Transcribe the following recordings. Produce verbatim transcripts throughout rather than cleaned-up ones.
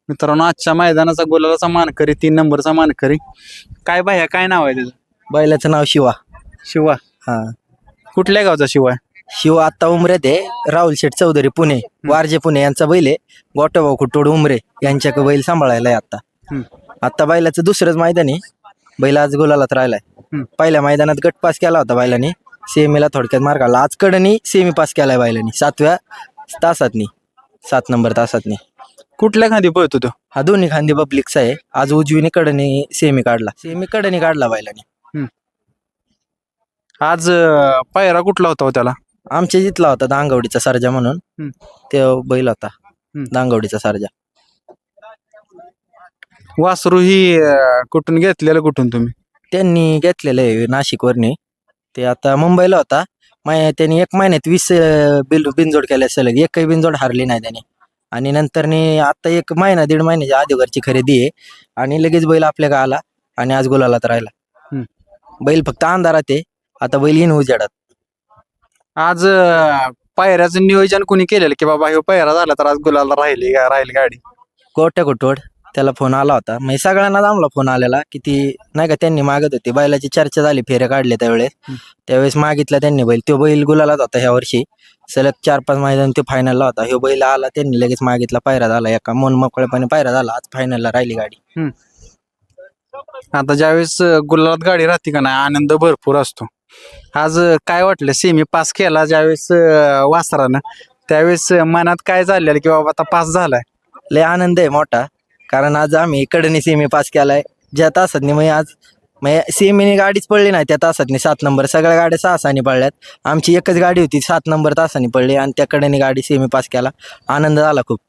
मित्रांनो आजच्या मैदानाचा गुलालाचा मानकरी तीन नंबरचा मानकरी काय बाह्या काय नाव आहे त्याचं? बैलाचं नाव शिवा. शिवा. हा कुठल्या गावचा शिवा आहे? शिवा आत्ता उमरेत आहे. राहुल शेठ चौधरी पुणे, वारजे पुणे यांचा बैल आहे. गोटोभाऊ खुटोड उमरे यांच्याकडे बैल सांभाळायला आहे आता. हम्म. आता बैलाचं दुसरंच मैदान आहे. बैल आज गुलालात राहिलाय. हम्म. पहिल्या मैदानात गट पास केला होता बैलाने, सेमीला थोडक्यात मार काढला. आज कडनी सेमी पास केलाय बैलाने सातव्या तासातनी, सात नंबर तासातनी. कुठल्या खांदी पळतो तो? हा दोन्ही खांदी पब्लिकचा आहे. आज उजवीने कडनी सेमी काढला, सेमी कडनी काढला बैलाने. आज अं, पायरा कुठला होता हो त्याला? आमच्या जिथला होता दांगवडीचा सर्जा म्हणून. हम्म. ते बैल होता हम्म. दांगवडीचा सर्जा. वासरू ही अं, कुठून घेतलेलं कुठून तुम्ही? त्यांनी घेतलेलं आहे नाशिकवरनी. ते आता मुंबईला होता. मै त्यांनी एक महिन्यात वीस अं, बिल बिनजोड केल्या सलग, एकही बिनजोड हारली नाही त्याने. आणि नंतरनी आता एक महिना दीड महिन्याच्या अगोदरची खरेदी आहे आणि लगेच बैल आपल्या गावाला आणि आज गुलालात राहिला. हम्म. बैल फक्त अंधारात आहे, आता बैल येईन उजेडात. आज अं, पायऱ्याचं नियोजन कोणी केलेलं की बाबा हे पायरा झाला तर आज गुलाला राहिली का राहील गाडी? गोट्या कुटोड त्याला फोन आला होता. म्हणजे सगळ्यांना आम्हाला फोन आलेला की ती नाही का त्यांनी मागत होती. बैलाची चर्चा झाली, फेऱ्या काढले त्यावेळेस. त्यावेळेस मागितला त्यांनी बैल. तो बैल गुलालात होता ह्या वर्षी. सलग चार पाच मैदान तो फायनलला होता. ह्यो बैल आला, त्यांनी लगेच मागितला, पायरा झाला. एका मन मोकळेपणे पायरा झाला. आज फायनलला राहिली गाडी. आता ज्यावेळेस अं, गुलालात गाडी राहते का नाही आनंद भरपूर असतो. आज अं, काय वाटलं सेमी पास केला ज्यावेळेस अं, वासरानं त्यावेळेस अं, मनात काय चाललेलं की बाबा आता पास झालाय? लय आनंद आहे मोठा, कारण आज आम्ही कडनी सेमी पास केलाय. ज्या तासातनी म्हणजे आज म्हणजे सेमीने गाडीच पडली नाही त्या तासातनी. सात नंबर सगळ्या गाड्या सहा सहानी पडल्यात. आमची एकच गाडी होती सात नंबर तासानी पडली आणि त्या कडेने गाडी सेमी पास केला. आनंद झाला खूप.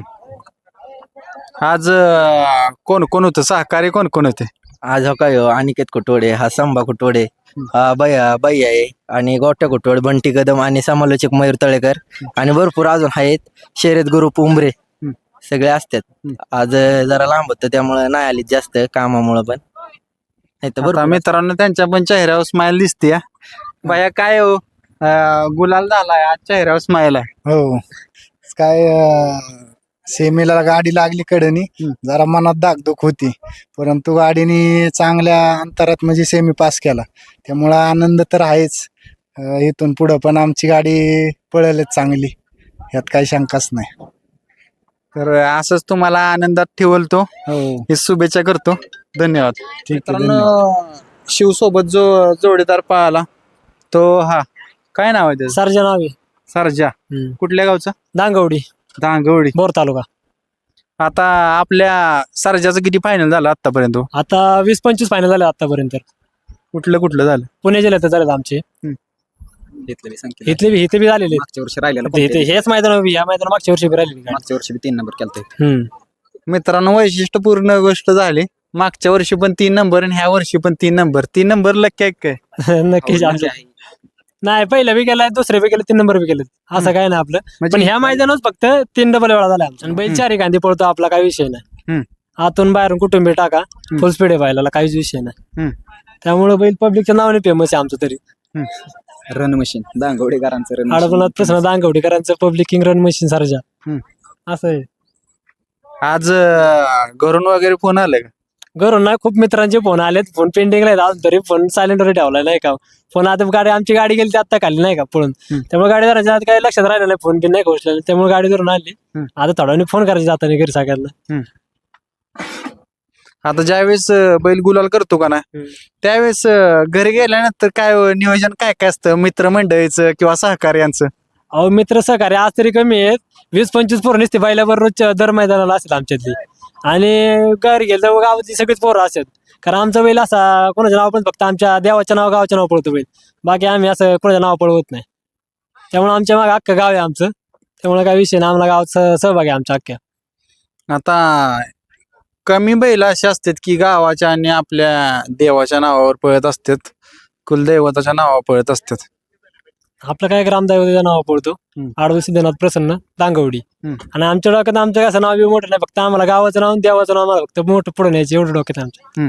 आज अं, कोण कोण होतं सहकारी, कोण कोण होते? आज हो काय हो, अनिकेत कुटोडे, हा संभा कुटोडे, हा भैया भैया आहे आणि गोट्या कुटोड, बंटी कदम आणि समालोचक मयूर तळेकर आणि भरपूर अजून आहेत. शर्यत ग्रुप उमरे सगळे असतात. आज जरा लांब होतं त्यामुळे नाही आली जास्त कामामुळे, पण नाही तर आता बरोबर. मित्रांनो त्यांच्या पण चेहऱ्यावर स्माइल दिसते. बाया काय हो अं, गुलाल झालाय आज चेहऱ्यावर स्माइल आहे. हो काय अं, सेमीला गाडी लागली कडनी, जरा मनात धाकधूक होती, परंतु गाडीने चांगल्या अंतरात म्हणजे सेमी पास केला, त्यामुळं आनंद तर आहेच. अं, इथून पुढं पण आमची गाडी पळेलच चांगली, यात काही शंकाच नाही. तर असंच तुम्हाला आनंदात ठेवल तो हो ही शुभेच्छा करतो. धन्यवाद. ठीक आहे, मित्रांनो शिव सोबत जो जोडीदार पाहिला तो हा काय नाव आहे त्याचं? सर्जा नाव आहे. सरजा. कुठल्या गावचा? दांगवडी, दांगवडी. बोर तालुका. आता आपल्या सरजाचं किती फायनल झालं आतापर्यंत? आता वीस पंचवीस फायनल झाले आतापर्यंत. कुठलं कुठलं झालं? पुणे जिल्ह्यात झालेत आमचे. इथले बी इथे बी झालेले. मागच्या वर्षी राहिलेला इथे- इथे हेच मैदान उभी, या मैदान मागच्या वर्षी बी राहिलेली गाडी. मागच्या वर्षी बी तीन नंबर केलता. हम्म. मित्रांनो वैशिष्ट्यपूर्ण गोष्ट झाली. मागच्या वर्षी पण तीन नंबर आणि ह्या वर्षी पण तीन नंबर. तीन नंबर लक्की आहे काय? नक्कीच आमच्या नाही, पहिलं बी केलाय, दुसरे बी केलं, तीन नंबर बी केलं. असं काय नाही आपलं. म्हणजे पण ह्या मैदानात फक्त तीन डबल वेळा झाला आमचा. आणि बैल चारी गांधी पळतो, आपला काही विषय नाही. हम्म. आतून बाहेरून कुटुंबी टाका, फुल स्पीड आहे बैलाला, काहीच विषय नाही. हम्म. त्यामुळे बैल पब्लिकच्या नावाने फेमस आहे आमचं. तरी रन मशीन दांगवडेकरांचं रन आडपणात प्रश्न दांगवडीकरांचं public king run machine Sarja. हम्म. असं आहे. आज अं, घरून वगैरे फोन आले का? घरून नाही, खूप मित्रांचे फोन आलेत. फोन पेंडिंगला आहेत अजून तरी. फोन सायलेंटवर ठेवला नाही का. फोन आता गाडी आमची गाडी गेली आता खाली नाही का पळून, त्यामुळे गाडी धरायच्या काही लक्षात राहिलं नाही, फोन बिन नाही पोहोचलेला, त्यामुळे गाडी धरून आली. आता थोड्या वेळाने फोन करायचे जाताना घरी सगळ्यांना. आता ज्यावेळेस अं, बैल गुलाल करतो का ना त्यावेळेस अं, घरी गेल्यानंतर काय अं, नियोजन काय काय असतं मित्रमंडळीचं किंवा सहकार्यांचं? अहो मित्र सहकार्य आज तरी कमी आहेत. वीस पंचवीस पोरं नसते बैलावर रोजच्या दर मैदानाला असतात आमच्यातली. आणि घरी गेलं तर गावातली सगळीच पोरं असतात. कारण आमचा बैल असा कोणाचं नाव पण फक्त आमच्या देवाच्या नाव गावाच्या नाव पळतो बैल. बाकी आम्ही असं कोणाचं नाव पळवत नाही. त्यामुळे आमच्या मागे अख्खं गाव आहे आमचं. त्यामुळे काय विषय नाही, आम्हाला गावात सह- सहभाग आहे आमच्या अख्ख्या. आता कमी बैल असे असतात की गावाच्या आणि आपल्या देवाच्या नावावर पळत असतात, कुलदैवताच्या नावावर पळत असतात. आपलं काय ग्रामदैवताचं नाव पळतो, हम्म. आडवं सिद्धनाथ प्रसन्न दांगवडी. हम्म. आणि आमच्या डोक्यात आमचं कसं नाव बी मोठं नाही, फक्त आम्हाला गावाचं नाव आणि देवाचं नाव आम्हाला फक्त मोठं पुढे न्यायचं एवढं डोक्यात आमच्या.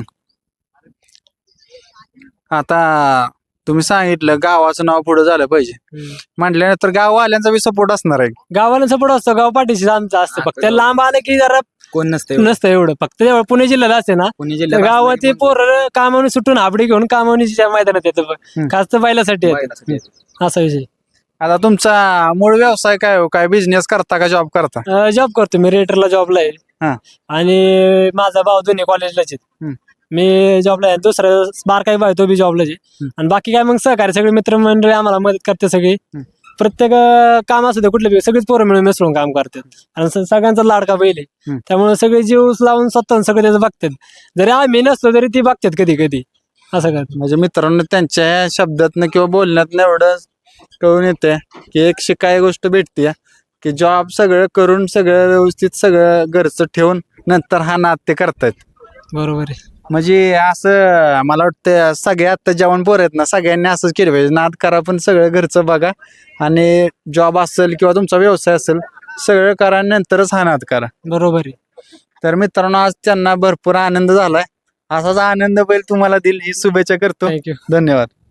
आता तुम्ही सांगितलं गावाचं नाव पुढे झालं पाहिजे म्हटल्यानंतर गाववाल्यांचा बी सपोर्ट असणार आहे. गावाला सपोर्ट असतो, गाव पाठीशी आमचं असतं. फक्त लांब आलं की जरा कोण नसतं एवढं. नसतं एवढं. फक्त तेवढं पुणे जिल्ह्यात असते ना, पुणे तर जिल्ह्यात गावात पोरं कामावून सुटून हाबडी घेऊन कामावणीच्या मैदानात येतं बघ. हम्म. खास तर बैलासाठी येतं. बैलासाठी येतं. असा विषय. आता तुमचा मूळ व्यवसाय काय हो? काय बिझनेस करता का जॉब करता? जॉब करतो मी, रेटरला जॉबला आहे. हा. आणि माझा भाऊ दोन्ही कॉलेजलाच आहेत. हम्म. मी जॉबला आहे, दुसरा बारकाई भाऊ आहे, तो बी जॉबलाच आहे. हम्म. आणि बाकी काय मग सहकारी सगळे मित्रमंडळी आम्हाला मदत करते सगळी. हम्म. प्रत्येक अं, काम असू दे कुठले बी, सगळीच पोरं मिळून मिसळून काम करतात. आणि स- सगळ्यांचा लाडका बैल आहे. हम्म. त्यामुळे सगळे जीव लावून स्वतः सगळं त्याचं बघतात. जरी आम्ही नसतो तरी ती बघतात कधी कधी असं करतात. म्हणजे मित्रांनो त्यांच्या ह्या शब्दातनं किंवा बोलण्यातनं एवढं कळून येते की एक शिकाय गोष्ट भेटते की जॉब सगळं करून सगळं व्यवस्थित सगळं घरचं ठेवून नंतर हा नाद ते करतायत. बरोबर आहे. म्हणजे असं मला वाटतं सगळे आता जेवण पोर आहेत ना, सगळ्यांनी असंच केलं पाहिजे. नाद करा पण सगळं घरचं बघा आणि जॉब असेल किंवा तुमचा व्यवसाय असेल सगळं करा आणि नंतरच हा नाद करा. बरोबर आहे. तर मित्रांनो आज त्यांना भरपूर आनंद झालाय. असाच आनंद बैल तुम्हाला दिल ही शुभेच्छा करतो. थँक्यू. धन्यवाद.